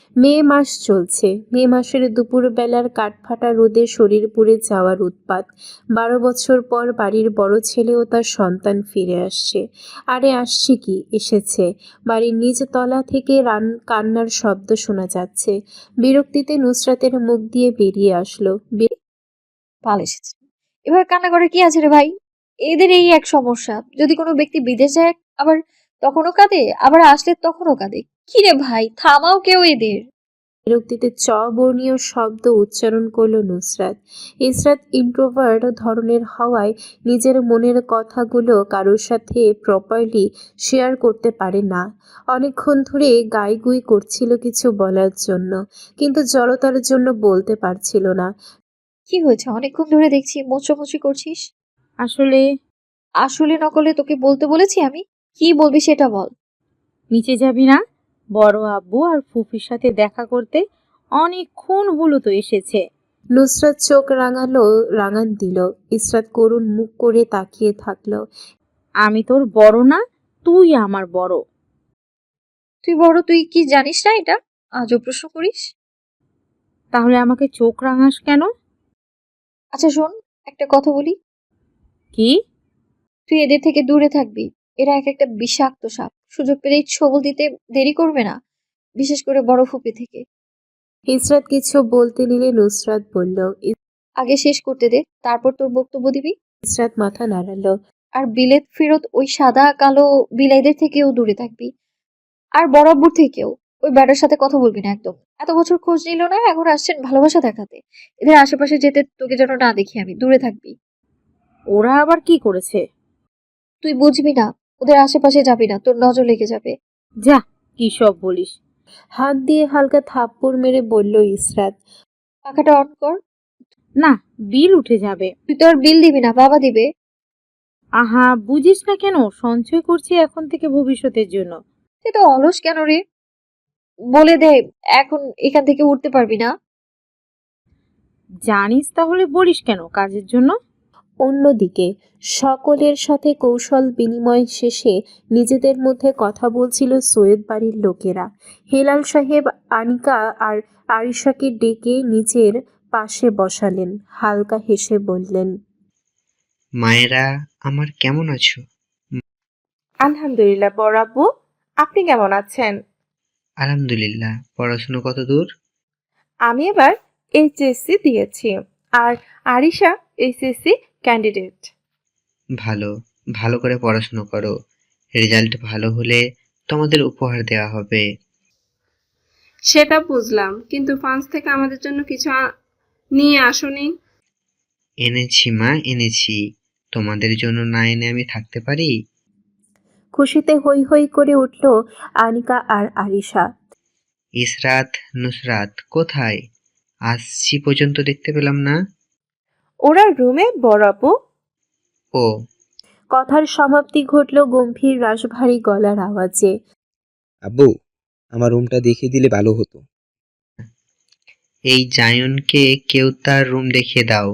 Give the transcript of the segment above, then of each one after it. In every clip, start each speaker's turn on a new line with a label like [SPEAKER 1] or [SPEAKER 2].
[SPEAKER 1] মে মাস চলছে। মে মাসের দুপুরবেলার কাঠফাটা রোদে শরীর পুড়ে যাওয়ার উৎপাত। 12 বছর পর বাড়ির বড় ছেলে ও তার সন্তান ফিরে আসছে। আরে আসছে কি, এসেছে। বাড়ির নিচ তলা থেকে কান্নার শব্দ শোনা যাচ্ছে। বিরক্তিতে নুসরাতের মুখ দিয়ে বেরিয়ে আসলো,
[SPEAKER 2] ভালো এসেছে। এভাবে কান্না করে কি আছে রে ভাই? এদের এই এক সমস্যা। যদি কোনো ব্যক্তি বিদেশ যায় আবার তখনও কাঁদে, আবার আসলে তখনও কাঁদে। কি রে ভাই, থামাও কেউ এদের।
[SPEAKER 1] বিরক্তিতে বর্ণীয় শব্দ উচ্চারণ করল নুসরাত। ইসরাত ইন্ট্রোভার্ট ধরনের হওয়ায় নিজের মনের কথাগুলো কারোর সাথে প্রপারলি শেয়ার করতে পারে না। অনেকক্ষণ ধরে গাইগুই করছিল কিছু বলার জন্য, কিন্তু জড়তার জন্য বলতে পারছিল না।
[SPEAKER 2] কি হয়েছে? অনেকক্ষণ ধরে দেখছি মোচড়ামুচড়ি করছিস।
[SPEAKER 3] আসলে
[SPEAKER 2] আসলে নকলে তোকে বলতে বলেছি আমি? কি বলবি সেটা বল।
[SPEAKER 3] নিচে যাবি না? বড় আব্বু আর ফুফির সাথে দেখা করতে অনেকক্ষণ হলো তো এসেছে।
[SPEAKER 1] নুসরাত চোখ রাঙান দিল। ইসরাত করুণ মুখ করে তাকিয়ে থাকলো।
[SPEAKER 3] আমি তোর বড় না, তুই আমার বড়।
[SPEAKER 2] তুই বড়, তুই কি জানিস না এটা? আজও প্রশ্ন করিস।
[SPEAKER 3] তাহলে আমাকে চোখ রাঙাস কেন?
[SPEAKER 2] আচ্ছা শোন, একটা কথা বলি।
[SPEAKER 3] কি?
[SPEAKER 2] তুই এদের থেকে দূরে থাকবি। এরা এক একটা বিষাক্ত সাপ, সুযোগ পেলেই ছবল দিতে দেরি করবে না, বিশেষ করে বড় ফুপি থেকে।
[SPEAKER 1] ইসরাত কিছু বলতে নিলে নুসরাত বলল।
[SPEAKER 2] আগে শেষ করতে দে, তারপর তোর বক্তব্য দিবি।
[SPEAKER 1] ইসরাত মাথা নাড়ালো।
[SPEAKER 2] আর বিলেত ফেরত ওই সাদা কালো বিলাইদের থেকেও দূরে থাকবি। আর বরাবর থেকেও ওই ব্যাটার সাথে কথা বলবি না একদম। এত বছর খোঁজ নিল না, এখন আসছেন ভালোবাসা দেখাতে। এদের আশেপাশে যেতে তোকে যেন না দেখি আমি, দূরে থাকবি।
[SPEAKER 3] ওরা আবার কি করেছে?
[SPEAKER 2] তুই বুঝবি না, ওদের আশেপাশে যাবি না, তোর নজর লেগে যাবে।
[SPEAKER 3] যা, কি সব বলিস।
[SPEAKER 1] হাত দিয়ে হালকা থাপ্পড় মেরে বলল ইসরাত।
[SPEAKER 2] পাখাটা অন কর।
[SPEAKER 3] না, বিল উঠে যাবে।
[SPEAKER 2] তুই তো আর বিল দিবি না, বাবা দিবে।
[SPEAKER 3] আহা, বুঝিস না কেন? সঞ্চয় করছি এখন থেকে ভবিষ্যতের জন্য।
[SPEAKER 2] তুই তো অলস কেন রে? বলে দে, এখন এখান থেকে উঠতে পারবি না।
[SPEAKER 3] জানিস তাহলে বলিস কেন কাজের জন্য?
[SPEAKER 1] অন্যদিকে সকলের সাথে কৌশল বিনিময় শেষে নিজেদের মধ্যে কথা বলছিল সৈয়দ বাড়ির লোকেরা। হেলাল সাহেব আনিকা আর আরিশাকে ডেকে নিজের পাশে বসালেন। হালকা হেসে বললেন,
[SPEAKER 4] মায়েরা আমার কেমন আছো?
[SPEAKER 5] আলহামদুলিল্লাহ বড় আব্বু, আপনি কেমন আছেন?
[SPEAKER 4] আলহামদুলিল্লাহ। পড়াশুনো কত দূর?
[SPEAKER 5] আমি এবার এইচএসসি দিয়েছি, আর আরিশা এইচএসসি ক্যান্ডিডেট।
[SPEAKER 4] ভালো, ভালো করে পড়াশুনো করো। রেজাল্ট ভালো হলে তোমাদের উপহার দেওয়া হবে।
[SPEAKER 6] সেটা বুঝলাম, কিন্তু ফ্রান্স থেকে আমাদের জন্য কিছু নিয়ে আসোনি?
[SPEAKER 4] এনেছি মা, এনেছি। তোমাদের জন্য না এনে আমি থাকতে পারি?
[SPEAKER 1] খুশিতে হৈ হৈ করে উঠল আনিকা আর আরিশা।
[SPEAKER 4] ইসরাত, নুসরাত কোথায়? আসছি পর্যন্ত দেখতে পেলাম না।
[SPEAKER 5] ওরা রুমে বড় আব্বু।
[SPEAKER 4] ও,
[SPEAKER 1] কথার সমাপ্তি ঘটল গম্ভীর রাশভারী গলার আওয়াজে।
[SPEAKER 7] আব্বু, আমার রুমটা দেখিয়ে দিলে ভালো হতো।
[SPEAKER 4] এই জায়নকে কেউ তার রুম দেখিয়ে দাও।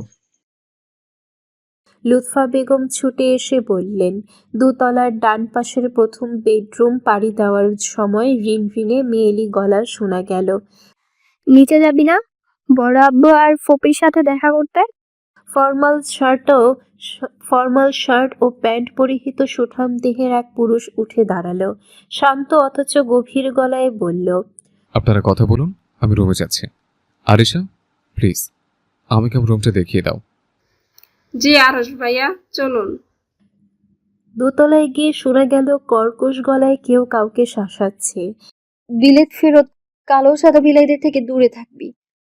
[SPEAKER 1] লুৎফা বেগম ছুটে এসে বললেন। দোতলার ডান পাশের প্রথম বেডরুম পাড়ি দেওয়ার সময় রিনরিনে মেয়েলি গলা শোনা গেল।
[SPEAKER 8] নিচে যাবি না? বড় আব্বু আর ফপির সাথে দেখা করতে।
[SPEAKER 1] ফর্মাল শার্ট ও প্যান্ট পরিহিত সুঠাম দেহের এক পুরুষ উঠে দাঁড়ালো। শান্ত অথচ গভীর গলায় বলল,
[SPEAKER 9] আপনারা কথা বলুন, আমি রুমে যাচ্ছি। আরিশা, প্লিজ আমাকে আমার রুমটা দেখিয়ে দাও।
[SPEAKER 6] জি আরশ ভাইয়া, চলুন।
[SPEAKER 1] দোতলায় গিয়ে শোনা গেল কর্কশ গলায় কেউ কাউকে শাসাচ্ছে।
[SPEAKER 2] বিলেত ফেরত কালো সাদা বিলাইদের থেকে দূরে থাকবি।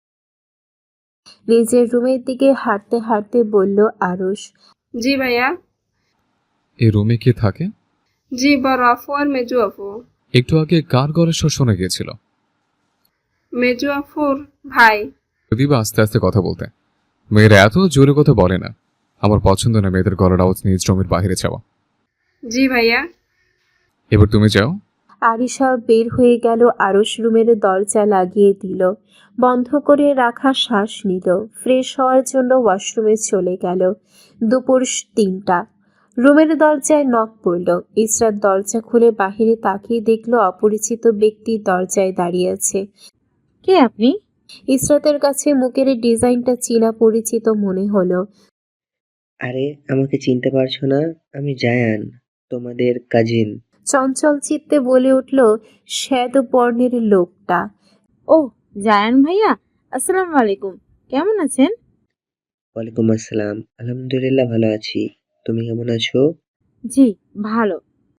[SPEAKER 1] নিজের রুমের দিকে হাঁটতে হাঁটতে বলল আরশ।
[SPEAKER 6] জি ভাইয়া।
[SPEAKER 9] এই রুমে কে থাকে?
[SPEAKER 6] জি বড় আপু আর মেজু আপু।
[SPEAKER 9] একটু আগে কার গলার স্বর শোনা গিয়েছিল?
[SPEAKER 6] মেজু আপুর ভাই।
[SPEAKER 9] যদি বা আস্তে আস্তে কথা বলতে। মেয়েরা এত জোরে কথা বলে না। আমার পছন্দ না মেয়েদের গলার আওয়াজ নিজ রুমের বাইরে যাওয়া।
[SPEAKER 6] জি ভাইয়া।
[SPEAKER 9] এবার তুমি যাও।
[SPEAKER 1] আরিশা বের হয়ে গেল। আরশ রুমের দরজা লাগিয়ে দিল। বন্ধ করে রাখা শ্বাস নিল। ফ্রেশ হওয়ার জন্য ওয়াশরুমে চলে গেল। দুপুর 3টা। রুমের দরজায় নক পড়ল। ইসরাত দরজা খুলে বাহিরে তাকিয়ে দেখল অপরিচিত ব্যক্তি দরজায় দাঁড়িয়ে আছে।
[SPEAKER 3] কে আপনি?
[SPEAKER 1] ইসরাতের কাছে মুখের ডিজাইনটা চীনা পরিচিত মনে হলো।
[SPEAKER 4] আরে আমাকে চিনতে পারছো না? আমি জায়ান, তোমাদের কাজিন।
[SPEAKER 1] চঞ্চল চিত্তে বলে উঠল শ্বেত বর্ণের লোকটা।
[SPEAKER 3] ও, জায়ান ভাইয়া, আসসালামু আলাইকুম। কেমন আছেন?
[SPEAKER 4] ওয়ালাইকুম আসসালাম। আলহামদুলিল্লাহ ভালো আছি। তুমি কেমন আছো?
[SPEAKER 3] জি, ভালো।